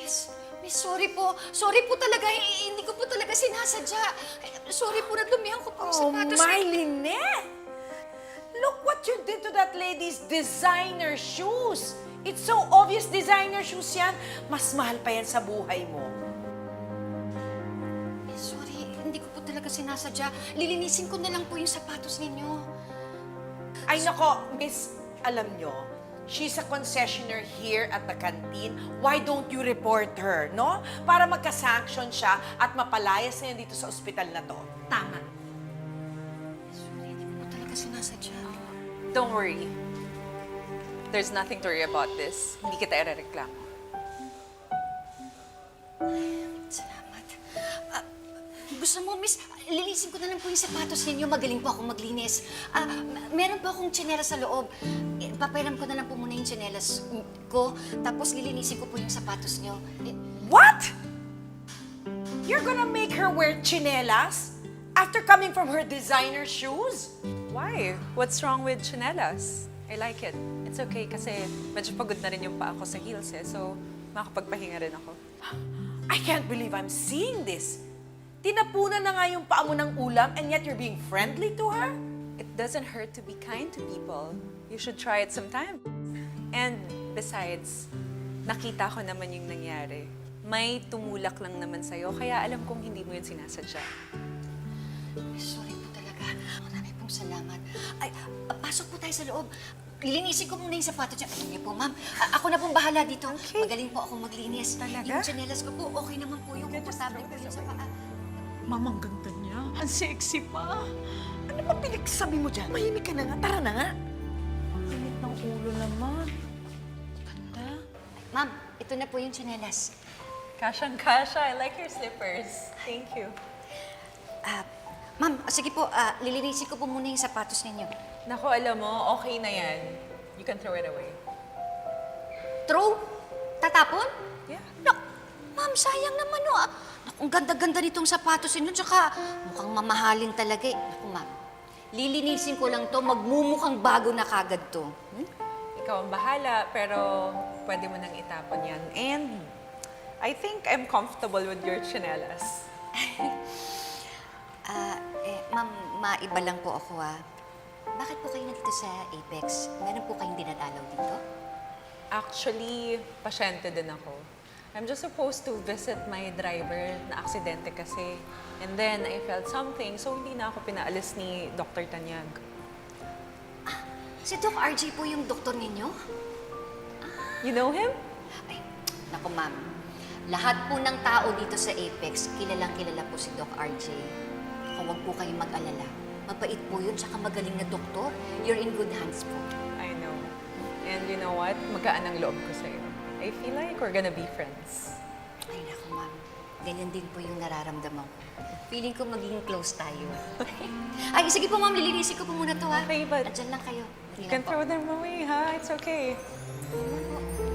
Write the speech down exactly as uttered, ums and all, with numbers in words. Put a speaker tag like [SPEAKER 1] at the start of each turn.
[SPEAKER 1] Miss, Miss, sorry po. Sorry po talaga. Eh, Hindi ko po talaga sinasadya. Eh, Sorry po, nadumihan ko po yung
[SPEAKER 2] Oh,
[SPEAKER 1] sapatos.
[SPEAKER 2] my Lynette! Look what you did to that lady's designer shoes. It's so obvious designer shoes yan. Mas mahal pa yan sa buhay mo.
[SPEAKER 1] Miss, sorry. Hindi ko po talaga sinasadya. Lilinisin ko na lang po yung sapatos ninyo.
[SPEAKER 2] Ay nako, miss, alam nyo, she's a concessionaire here at the canteen. Why don't you report her, no? Para magka-sanction siya at mapalayas na yan dito sa ospital na to.
[SPEAKER 3] Tama.
[SPEAKER 1] Sorry, hindi ko po talaga sinasadya.
[SPEAKER 4] Don't worry. There's nothing to worry about this. Hindi kita irereklamo.
[SPEAKER 1] Salamat. Ah, gusto mo, Miss, lilisin ko na lang po yung sapatos ninyo. Magaling po ako maglinis. Ah, m- meron po akong tsinelas sa loob. Eh, Papairam ko na lang po muna yung tsinelas ko. Tapos lilinisin ko po yung sapatos niyo. Eh,
[SPEAKER 2] What? You're gonna make her wear chinelas after coming from her designer shoes?
[SPEAKER 4] Why? What's wrong with chinelas? I like it. It's okay kasi medyo pagod na rin yung paa ko sa heels eh. So, makakapagpahinga rin ako.
[SPEAKER 2] I can't believe I'm seeing this. Tinapunan na nga yung paa mo ng ulam and yet you're being friendly to her?
[SPEAKER 4] It doesn't hurt to be kind to people. You should try it sometime. And besides, nakita ko naman yung nangyari. May tumulak lang naman sa'yo, kaya alam kong hindi mo yun sinasadya.
[SPEAKER 1] Miss, sorry po talaga. Marami pong salamat. Ay, ah, pasok po tayo sa loob. Lilinisin ko muna yung sapatos niya. Alam niyo po, ma'am. ah, ako na pong bahala dito. Magaling po ako maglinis.
[SPEAKER 4] Talaga?
[SPEAKER 1] Yung tsinelas ko po, okay naman po yung komportable po yun sa paa.
[SPEAKER 3] Mamang ganda niya. Ang sexy pa.
[SPEAKER 2] Ano ba pinagsasabi mo dyan? Mahimik ka na nga. Tara na nga.
[SPEAKER 3] Init ng ulo naman. Ganda.
[SPEAKER 1] Ma'am, ito na po yung tsinelas.
[SPEAKER 4] Kasyang-kasya. I like your slippers. Thank you.
[SPEAKER 1] Ah, ma'am, ah, sige po, ah, lilinisin ko po muna yung sapatos ninyo.
[SPEAKER 4] Naku, alam mo, okay na yan. You can throw it away.
[SPEAKER 1] Throw? Tatapon?
[SPEAKER 4] Yeah.
[SPEAKER 1] Nak, ma'am, sayang naman o. Ah. Naku, ang ganda-ganda nitong sapatos ninyo, tsaka mukhang mamahalin talaga eh. Naku, ma'am, lilinisin ko lang to, magmumukhang bago na kagad to. Hmm?
[SPEAKER 4] Ikaw ang bahala, pero pwede mo nang itapon yan. And I think I'm comfortable with your chinelas.
[SPEAKER 1] Ah, eh, ma'am, maiba lang po ako ah. Bakit po kayo nandito sa Apex? Meron po kayong dinadalaw dito?
[SPEAKER 4] Actually, pasyente din ako. I'm just supposed to visit my driver na aksidente kasi. And then, I felt something, so hindi na ako pinaalis ni Doctor Tanyag.
[SPEAKER 1] Si Doc R J po yung doktor ninyo?
[SPEAKER 4] You know him?
[SPEAKER 1] Ay, naku ma'am. Lahat po ng tao dito sa Apex, kilalang kilala po si Doc R J. Kung wag po kayong mag-alala. Mabait po yun, tsaka magaling na doktor. You're in good hands po.
[SPEAKER 4] I know. And you know what? Magaan ang loob ko sa'yo. I feel like we're gonna be friends.
[SPEAKER 1] Ay, naku ma'am. Ganyan din po yung nararamdaman ko. Feeling ko magiging close tayo. Ay, sige po ma'am, lilinisin ko po muna to ha.
[SPEAKER 4] Okay, but-
[SPEAKER 1] Andyan lang kayo.
[SPEAKER 4] You can throw them away, ha? It's okay.
[SPEAKER 1] Ayan po.